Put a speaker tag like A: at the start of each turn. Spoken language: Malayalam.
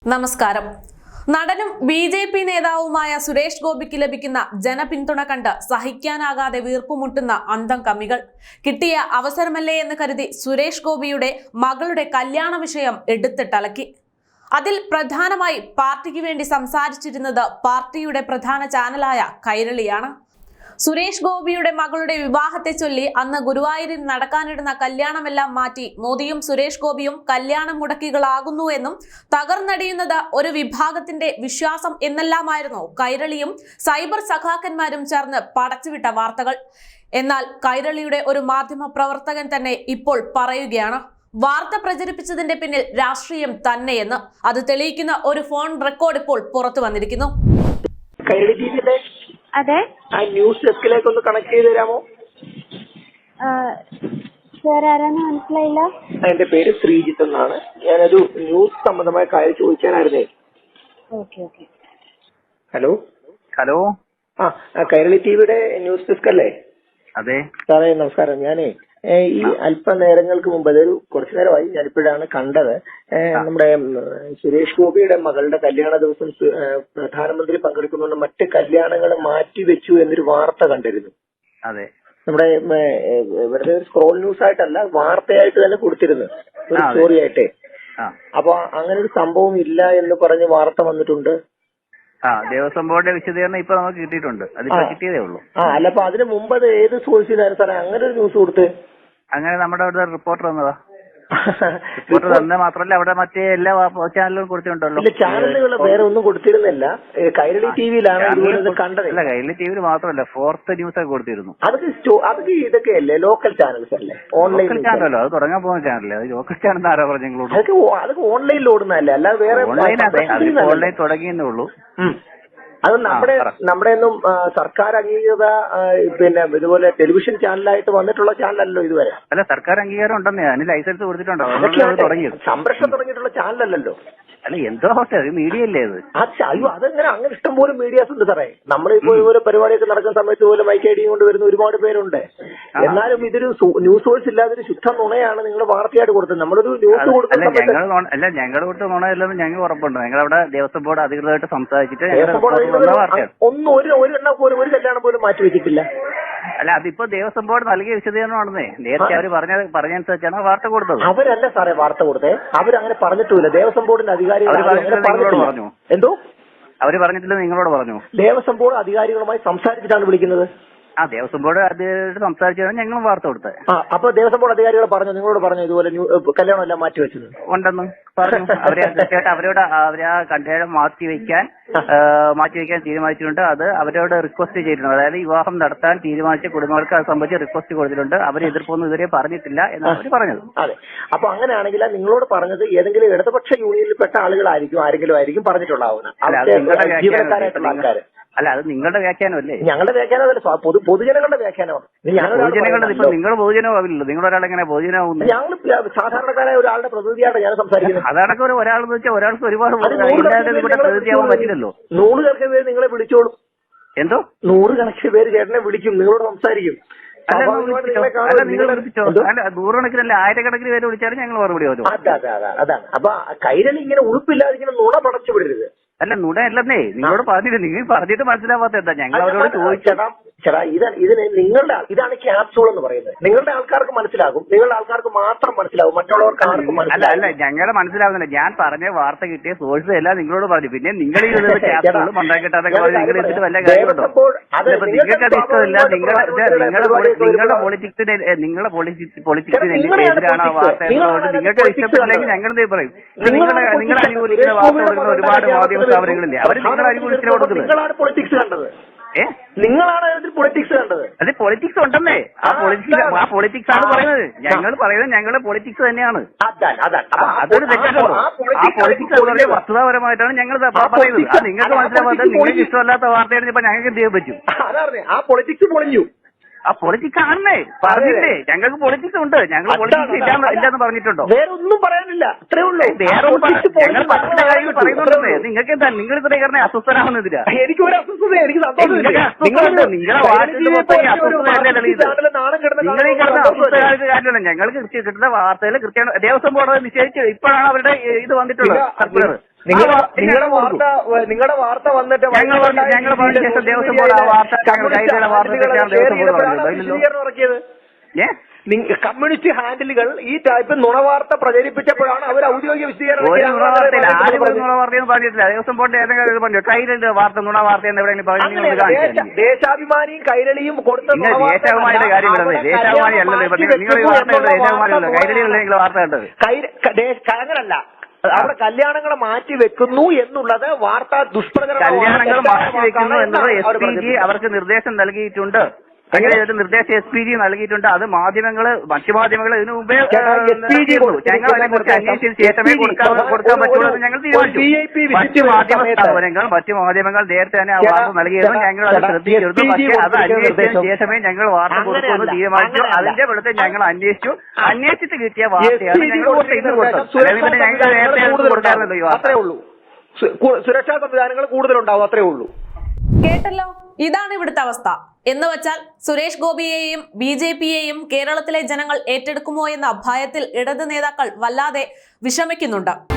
A: നമസ്കാരം. നടനും ബി.ജെ.പി. നേതാവുമായ സുരേഷ് ഗോപിക്ക് ലഭിക്കുന്ന ജനപിന്തുണ കണ്ട് സഹിക്കാനാകാതെ വീർപ്പുമുട്ടുന്ന അന്തം കമ്മികൾ. കിട്ടിയ അവസരമല്ലേ എന്ന് കരുതി സുരേഷ് ഗോപിയുടെ മകളുടെ കല്യാണ വിഷയം എടുത്തിട്ടലക്കി. അതിൽ പ്രധാനമായി പാർട്ടിക്ക് വേണ്ടി സംസാരിച്ചിരുന്നത് പാർട്ടിയുടെ പ്രധാന ചാനലായ കൈരളിയാണ്. സുരേഷ് ഗോപിയുടെ മകളുടെ വിവാഹത്തെ ചൊല്ലി അന്ന് ഗുരുവായൂരിൽ നടക്കാനിരുന്ന കല്യാണമെല്ലാം മാറ്റി മോദിയും സുരേഷ് ഗോപിയും കല്യാണം മുടക്കികളാകുന്നു എന്നും തകർന്നടിയുന്നത് ഒരു വിഭാഗത്തിന്റെ വിശ്വാസം എന്നെല്ലാമായിരുന്നു കൈരളിയും സൈബർ സഖാക്കന്മാരും ചേർന്ന് പടച്ചുവിട്ട വാർത്തകൾ. എന്നാൽ കൈരളിയുടെ ഒരു മാധ്യമ പ്രവർത്തകൻ തന്നെ ഇപ്പോൾ പറയുകയാണ്, വാർത്ത പ്രചരിപ്പിച്ചതിന്റെ പിന്നിൽ രാഷ്ട്രീയം തന്നെയെന്ന്. അത് തെളിയിക്കുന്ന ഒരു ഫോൺ റെക്കോർഡ് ഇപ്പോൾ പുറത്തു വന്നിരിക്കുന്നു.
B: അതെ,
C: ആ ന്യൂസ് ഡെസ്കിലേക്ക് ഒന്ന് കണക്ട് ചെയ്ത് തരാമോ?
B: സാർ ആരാന്ന് മനസ്സിലായില്ല.
C: എന്റെ പേര് ശ്രീജിത്ത് എന്നാണ്. ഞാനൊരു ന്യൂസ് സംബന്ധമായ കാര്യം ചോദിക്കാനായിരുന്നേ. ഹലോ
D: ഹലോ
C: കൈരളി ടിവിയുടെ ന്യൂസ് ഡെസ്ക് അല്ലേ?
D: അതെ
C: സാറേ നമസ്കാരം. ഞാനേ ഈ അല്പനേരങ്ങൾക്ക് മുമ്പ്, അതൊരു കുറച്ചു നേരമായി ഞാനിപ്പോഴാണ് കണ്ടത്, നമ്മുടെ സുരേഷ് ഗോപിയുടെ മകളുടെ കല്യാണ ദിവസം പ്രധാനമന്ത്രി പങ്കെടുക്കുന്നുണ്ട്, മറ്റ് കല്യാണങ്ങൾ മാറ്റിവെച്ചു എന്നൊരു വാർത്ത കണ്ടിരുന്നു.
D: അതെ,
C: നമ്മുടെ വെറുതെ ഒരു സ്ക്രോൾ ന്യൂസ് ആയിട്ടല്ല, വാർത്തയായിട്ട് തന്നെ കൊടുത്തിരുന്നു, ഒരു സ്റ്റോറി ആയിട്ടേ. അപ്പൊ അങ്ങനെ ഒരു സംഭവം ഇല്ല എന്ന് പറഞ്ഞ് വാർത്ത വന്നിട്ടുണ്ട്.
D: ദേവസ്വം ബോർഡിന്റെ വിശദീകരണം ഇപ്പൊ നമുക്ക് കിട്ടിയിട്ടുണ്ട്. അതിപ്പോ കിട്ടിയതേ ഉള്ളൂ.
C: അല്ല, അപ്പൊ അതിന് മുമ്പ് അത് ഏത് സോഴ്സിലായിരുന്നു സാറേ അങ്ങനെ ഒരു ന്യൂസ് കൊടുത്ത്?
D: അങ്ങനെ നമ്മുടെ അവിടെ റിപ്പോർട്ടർ വന്നതാ. റിപ്പോർട്ടർ തന്നെ മാത്രമല്ല, അവിടെ മറ്റേ എല്ലാ ചാനലുകളും കൊടുത്തിട്ടുണ്ടല്ലോ.
C: ചാനലുകൾ വേറെ ഒന്നും കൊടുത്തിരുന്നില്ല, കൈരളി ടിവിയിലാണ് കണ്ടത്.
D: അല്ല, കൈരളി ടിവിയിൽ മാത്രമല്ല, ഫോർത്ത് ന്യൂസ് ഒക്കെ കൊടുത്തിരുന്നു.
C: അതൊക്കെ ഇതൊക്കെയല്ലേ ലോക്കൽ ചാനൽസ് അല്ലേ? ഓൺലൈൻ
D: ചാനലല്ലോ, അത് തുടങ്ങാൻ പോകുന്ന ചാനലല്ലേ? അത് ലോക്കൽ ചാനൽ ആരാ പറഞ്ഞു നിങ്ങളോട്?
C: അതൊക്കെ ഓൺലൈനിൽ ഓടുന്നതല്ലേ, അല്ലാതെ വേറെ
D: ഓൺലൈൻ തുടങ്ങിയെന്നേ ഉള്ളൂ.
C: അത് നമ്മുടെ ഒന്നും സർക്കാർ അംഗീകൃത പിന്നെ ഇതുപോലെ ടെലിവിഷൻ ചാനലായിട്ട് വന്നിട്ടുള്ള ചാനലല്ലോ ഇതുവരെ.
D: അല്ല, സർക്കാർ അംഗീകാരം ഉണ്ടെന്നേ, അതിന് ലൈസൻസ് കൊടുത്തിട്ടുണ്ടോ? തുടങ്ങിയത്
C: സംരക്ഷണം തുടങ്ങിയിട്ടുള്ള ചാനലല്ലോ.
D: അല്ല, എന്തോ അത് മീഡിയ അല്ലേ അത്?
C: അയ്യോ, അതെങ്ങനെ? അങ്ങനെ ഇഷ്ടംപോലെ മീഡിയാസ് ഉണ്ട് സാറേ. നമ്മളിപ്പോ ഇതുപോലെ പരിപാടിയൊക്കെ നടക്കുന്ന സമയത്ത് പോലെ മൈക്ക് ഐഡിയും കൊണ്ട് വരുന്ന ഒരുപാട് പേരുണ്ട്. എന്നാലും ഇതൊരു ന്യൂസ് സോഴ്സ് ഇല്ലാതെ ഒരു ശുദ്ധ നുണയാണ് നിങ്ങൾ വാർത്തയായിട്ട് കൊടുത്തത്. നമ്മളൊരു ന്യൂസ് കൊടുക്കുന്ന
D: അല്ല, ഞങ്ങൾ കൊടുത്ത നുണയല്ലെന്ന് ഞങ്ങൾ ഉറപ്പുണ്ട്. ഞങ്ങളവിടെ ദേവസ്വം ബോർഡ് അധികൃതമായിട്ട് സംസാരിച്ചിട്ട്
C: ഒന്നും ഒരു കല്യാണം പോലും മാറ്റിവെച്ചിട്ടില്ല.
D: അല്ല, അതിപ്പോ ദേവസ്വം ബോർഡ് നൽകിയ വിശദീകരണമാണെന്നേ. നേരത്തെ അവർ പറഞ്ഞനുസരിച്ചാണ് വാർത്ത കൊടുത്തത്.
C: അവരല്ല സാറേ വാർത്ത കൊടുത്തേ, അവരങ്ങനെ പറഞ്ഞിട്ടില്ല. ദേവസ്വം ബോർഡിന്റെ അധികാരികൾ
D: പറഞ്ഞു.
C: എന്തോ
D: അവര് പറഞ്ഞിട്ടില്ല, നിങ്ങളോട് പറഞ്ഞു.
C: ദേവസ്വം ബോർഡ് അധികാരികളുമായി സംസാരിച്ചിട്ടാണ് വിളിക്കുന്നത്.
D: ദേവസ്വം ബോർഡ് അധികാരിയോട് സംസാരിച്ചാണ് ഞങ്ങൾ വാർത്ത കൊടുത്തത്.
C: അപ്പൊ ദേവസ്വം ബോർഡ് അധികാരികൾ പറഞ്ഞു, നിങ്ങളോട് പറഞ്ഞു ഇതുപോലെ കല്യാണം എല്ലാം മാറ്റിവെച്ചത്
D: ഉണ്ടെന്ന് പറഞ്ഞു. അവരോട് അവരാ കല്യാണം മാറ്റിവെക്കാൻ തീരുമാനിച്ചിട്ടുണ്ട്. അത് അവരോട് റിക്വസ്റ്റ് ചെയ്തിട്ടുണ്ട്. അതായത് വിവാഹം നടത്താൻ തീരുമാനിച്ച കുടുംബങ്ങൾക്ക് അത് സംബന്ധിച്ച് റിക്വസ്റ്റ് കൊടുത്തിട്ടുണ്ട്. അവർ എതിർപ്പൊന്നും ഇതുവരെ പറഞ്ഞിട്ടില്ല എന്നാണ് അവർ പറഞ്ഞത്.
C: അതെ, അപ്പൊ അങ്ങനെയാണെങ്കിൽ നിങ്ങളോട് പറഞ്ഞത് ഏതെങ്കിലും ഇടതുപക്ഷ യൂണിയനിൽപ്പെട്ട ആരെങ്കിലും ആയിരിക്കും പറഞ്ഞിട്ടുണ്ടാവുന്നത്, ജീവനക്കാരായിട്ടുള്ള ആൾക്കാർ.
D: അല്ല, അത് നിങ്ങളുടെ വ്യാഖ്യാനമല്ലേ?
C: ഞങ്ങളുടെ വ്യാഖ്യാനമല്ല, പൊതുജനങ്ങളുടെ വ്യാഖ്യാനമാണ്.
D: പൊതുജനങ്ങളുടെ ഇപ്പൊ നിങ്ങൾ പൊതുജനമാവില്ലല്ലോ. നിങ്ങൾ ഒരാളെങ്ങനെ പൊതുജനമാവുന്നത്?
C: ഞങ്ങൾ സാധാരണക്കാരായ ഒരാളുടെ പ്രതിനിധിയാണ് ഞാൻ സംസാരിക്കുന്നത്.
D: അതാണൊക്കെ ഒരാളെന്ന് വെച്ചാൽ ഒരാൾക്ക് ഒരുപാട് പ്രതിനിധിയാവാൻ പറ്റില്ലല്ലോ.
C: 100 കണക്കിന് പേര് നിങ്ങളെ വിളിച്ചോളും.
D: എന്തോ
C: 100 കണക്കിന് പേര് ചേട്ടനെ വിളിക്കും, നിങ്ങളോട് സംസാരിക്കും.
D: അല്ല, നിങ്ങൾ വിളിച്ചോ? അല്ല, 100 കണക്കിനല്ല, 1000 പേര് വിളിച്ചാലും ഞങ്ങൾ മറുപടി വരും.
C: അതാണ്. അപ്പൊ കൈരളി ഇങ്ങനെ ഉളുപ്പില്ലാതിരിക്കുന്ന നുണ പടച്ചു വിടരുത്.
D: അല്ല, നുണയല്ലെന്നേ, നിങ്ങളോട് പറഞ്ഞില്ല. നിങ്ങൾ പറഞ്ഞിട്ട് മനസ്സിലാവാത്ത എന്താ? ഞങ്ങൾ അവരോട് ചോദിച്ചേട്ടാ,
C: ഇതാണ് ക്യാപ്സൂൾ എന്ന് പറയുന്നത്. നിങ്ങളുടെ ആൾക്കാർക്ക് മനസ്സിലാകും, നിങ്ങളുടെ ആൾക്കാർക്ക് മാത്രം മനസ്സിലാവും, മറ്റുള്ളവർക്ക് ആർക്കും മനസ്സിലാവും.
D: അല്ല, ഞങ്ങളെ മനസ്സിലാവുന്നില്ല. ഞാൻ പറഞ്ഞ വാർത്ത കിട്ടിയ സോഴ്സ് എല്ലാം നിങ്ങളോട് പറഞ്ഞു. പിന്നെ നിങ്ങൾ ഈ ക്യാപ്സൂൾ മണ്ടാക്കിട്ടാന്നൊക്കെ പറഞ്ഞ് നിങ്ങൾ എടുത്തിട്ട് വല്ല കാര്യമുണ്ടോ? നിങ്ങൾക്ക് അത് ഇഷ്ടമില്ല. നിങ്ങളുടെ പൊളിറ്റിക്സിന് എതിരാണ് ആ വാർത്ത എന്നുള്ളത് നിങ്ങൾക്ക് ഇഷ്ടപ്പെട്ടില്ലെങ്കിൽ ഞങ്ങൾ എന്തേ പറയും? നിങ്ങൾ അനുകൂലിക്കുന്ന വാർത്ത കൊടുക്കുന്ന ഒരുപാട് മാധ്യമ സ്ഥാപനങ്ങളില്ലേ, അവർ നിങ്ങൾ അനുകൂലിച്ചിട്ട് കൊടുക്കുന്നത്.
C: നിങ്ങളാണ് പൊളിറ്റിക്സ് കണ്ടത്.
D: അത് പൊളിറ്റിക്സ് ഉണ്ടെന്നേ. ആ പൊളിറ്റിക്സ് ആണ് പറയുന്നത്. ഞങ്ങൾ പറയുന്നത് ഞങ്ങളുടെ പൊളിറ്റിക്സ് തന്നെയാണ്. അതൊരു തെറ്റാണല്ലോ. ആ പൊളിറ്റിക്സ് വളരെ വസ്തുതാപരമായിട്ടാണ് ഞങ്ങൾ പറയുന്നത്. അത് നിങ്ങൾക്ക് മനസ്സിലാവാത്ത, നിങ്ങൾക്ക് ഇഷ്ടമല്ലാത്ത വാർത്തയാണ് ഇപ്പൊ ഞങ്ങൾക്ക് എന്ത് ചെയ്യാൻ പറ്റും?
C: ആ പൊളിറ്റിക്സ് പൊളിഞ്ഞു.
D: ആ പൊളിറ്റിക്സ് ആണെന്നേ പറഞ്ഞില്ലേ. ഞങ്ങൾക്ക് പൊളിറ്റിക്സ് ഉണ്ട്. ഞങ്ങൾ പൊളിറ്റിക്സ് ഇല്ലാന്ന് പറഞ്ഞിട്ടുണ്ടോ?
C: വേറെ ഒന്നും പറയാനില്ല, അത്രേ ഉള്ളൂ.
D: ഞങ്ങൾ പല കാര്യങ്ങൾ പറയുന്നുണ്ടെന്നേ. നിങ്ങൾക്ക് എന്താ, നിങ്ങൾ ഇത്ര കാരണം അസ്വസ്ഥനാവുന്നതിനാ?
C: എനിക്ക് ഒരു അസ്വസ്ഥത, എനിക്ക്
D: നിങ്ങളെ വാർത്തയിൽ മൊത്തം അസ്വസ്ഥതയല്ലേ? നിങ്ങൾ ഈ കിടന്ന അസ്വസ്ഥകാർക്ക് കാര്യമല്ല. ഞങ്ങൾക്ക് കിട്ടുന്ന വാർത്തകൾ കൃത്യമാണ്. ദേവസ്വം ബോർഡ് നിശ്ചയിച്ച് ഇപ്പോഴാണ് അവരുടെ ഇത് വന്നിട്ടുള്ളത്, സർക്കുലർ.
C: നിങ്ങളുടെ വാർത്ത വന്നിട്ട്
D: ഞങ്ങൾ പറഞ്ഞ ശേഷം ദേവസ്വം ബോർഡ് ആ വാർത്ത
C: ഇറക്കിയത്. കമ്മ്യൂണിസ്റ്റ് ഹാൻഡിലുകൾ ഈ ടൈപ്പ് നുണവാർത്ത പ്രചരിപ്പിച്ചപ്പോഴാണ് അവർ ഔദ്യോഗിക വിശദീകരണം
D: പറഞ്ഞിട്ടില്ല. ദേവസ്വം ബോർഡ് ഏതെങ്കിലും പറഞ്ഞു ട്രെയിനിന്റെ വാർത്ത നുണവാർത്ത എന്ന് എവിടെയെങ്കിലും പറഞ്ഞു.
C: ദേശാഭിമാനിയും കൈരളിയും കൊടുത്ത
D: ദേശാഭിമാനിയുടെ കാര്യം വരുന്നത് ദേശാഭിമാനി അല്ലല്ലോ നിങ്ങൾ ഈ വാർത്ത ദേശാഭിമാനിയല്ലോ കൈരളിയല്ലേ നിങ്ങൾ വാർത്ത കണ്ടത്.
C: അങ്ങനല്ല, അവിടെ കല്യാണങ്ങൾ മാറ്റി വെക്കുന്നു എന്നുള്ളത് വാർത്താ ദുഷ്പ്രചരണം.
D: കല്യാണങ്ങൾ മാറ്റി വെക്കുന്നു എന്നത് SPG അവർക്ക് നിർദ്ദേശം നൽകിയിട്ടുണ്ട്. അങ്ങനെ ഒരു നിർദ്ദേശം SPG നൽകിയിട്ടുണ്ട്. അത് മാധ്യമങ്ങള് മറ്റു മാധ്യമങ്ങൾ ഇതിനു മുമ്പേ ഞങ്ങൾ അതിനെക്കുറിച്ച് അന്വേഷിച്ചതിന് ശേഷമേ കൊടുക്കാൻ പറ്റുള്ളൂ എന്ന് ഞങ്ങൾ തീരുമാനിച്ചു. മറ്റു മാധ്യമങ്ങൾ നേരത്തെ തന്നെ ആ വാർത്ത നൽകിയിരുന്നു. ഞങ്ങൾ അത് ശ്രദ്ധിച്ചിരുന്നു. പക്ഷേ അത് അന്വേഷിച്ചതിന് ശേഷമേ ഞങ്ങൾ വാർത്ത കൊടുക്കുമെന്ന് തീരുമാനിച്ചു. അതിന്റെ വെളുത്ത് ഞങ്ങൾ അന്വേഷിച്ചിട്ട് കിട്ടിയ വാർത്തയാണ് ഞങ്ങൾ ഇന്ന് കൊടുത്തത്. പിന്നെ ഞങ്ങൾക്ക് നേരത്തെ കൊടുക്കാറുണ്ടല്ലോ ഈ വാർത്ത.
C: അത്രേ ഉള്ളൂ. സുരക്ഷാ സംവിധാനങ്ങൾ കൂടുതലുണ്ടാവും, അത്രേ ഉള്ളൂ.
A: കേട്ടല്ലോ, ഇതാണ് ഇവിടുത്തെ അവസ്ഥ. എന്ന് വച്ചാൽ സുരേഷ് ഗോപിയെയും BJPയെയും കേരളത്തിലെ ജനങ്ങൾ ഏറ്റെടുക്കുമോ എന്ന ഭയത്തിൽ ഇടത് നേതാക്കൾ വല്ലാതെ വിഷമിക്കുന്നുണ്ട്.